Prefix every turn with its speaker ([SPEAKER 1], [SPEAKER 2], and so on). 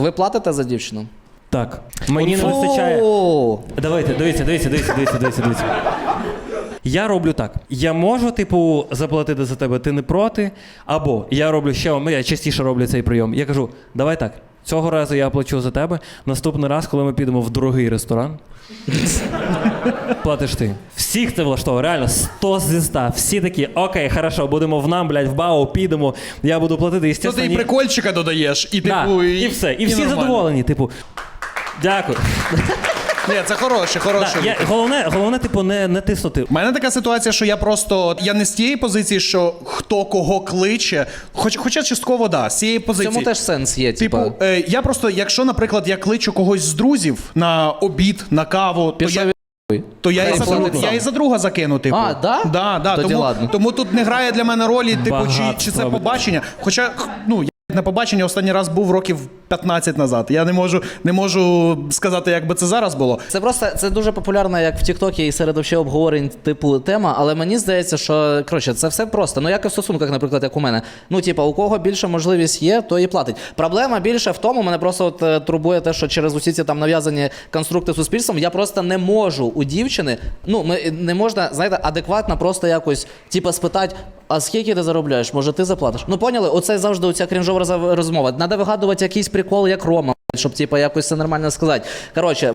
[SPEAKER 1] Ви платите за дівчину?
[SPEAKER 2] Так. Мені не вистачає... Давайте, дивіться. Я роблю так. Я можу, типу, заплатити за тебе, ти не проти. Або я роблю я частіше роблю цей прийом. Я кажу, давай так, цього разу я плачу за тебе. Наступний раз, коли ми підемо в дорогий ресторан, платиш ти. Всіх це влаштовує, реально, 100 зі 100. Всі такі, окей, хорошо, будемо в БАУ, підемо, я буду платити.
[SPEAKER 3] То ти і прикольчика додаєш, і типу...
[SPEAKER 2] Да, і все. І всі задоволені, типу, дякую.
[SPEAKER 3] Ні, це хороше.
[SPEAKER 2] Головне, типу, не тиснути.
[SPEAKER 3] У мене така ситуація, що я не з тієї позиції, що хто кого кличе, хоча частково, да, з цієї
[SPEAKER 1] В
[SPEAKER 3] позиції.
[SPEAKER 1] цьому теж сенс є,
[SPEAKER 3] Типу, я просто, якщо, наприклад, я кличу когось з друзів на обід, на каву, то я і за друга закину, типу.
[SPEAKER 1] А, да?
[SPEAKER 3] Да.
[SPEAKER 1] Тоді ладно.
[SPEAKER 3] Тому тут не грає для мене ролі, типу, чи це побачення. Хоча, ну, на побачення останній раз був років 15 назад. Я не можу сказати, як би це зараз було.
[SPEAKER 1] Це дуже популярна, як в Тіктокі і серед вообще обговорень типу тема, але мені здається, що, коротше, це все просто. Ну, як і в стосунках, наприклад, як у мене. Ну, типа, у кого більше можливість є, то і платить. Проблема більше в тому, мене просто турбує те, що через усі ці там нав'язані конструкти суспільством, я просто не можу у дівчини, не можна, знаєте, адекватно просто якось, типа, спитати, а скільки ти заробляєш? Може, ти заплатиш? Ну, поняли? Оце завжди оця крінжова розмова. Надо вигадувати якийсь прикол, як Рома, щоб, типа, якось це нормально сказати. Коротше,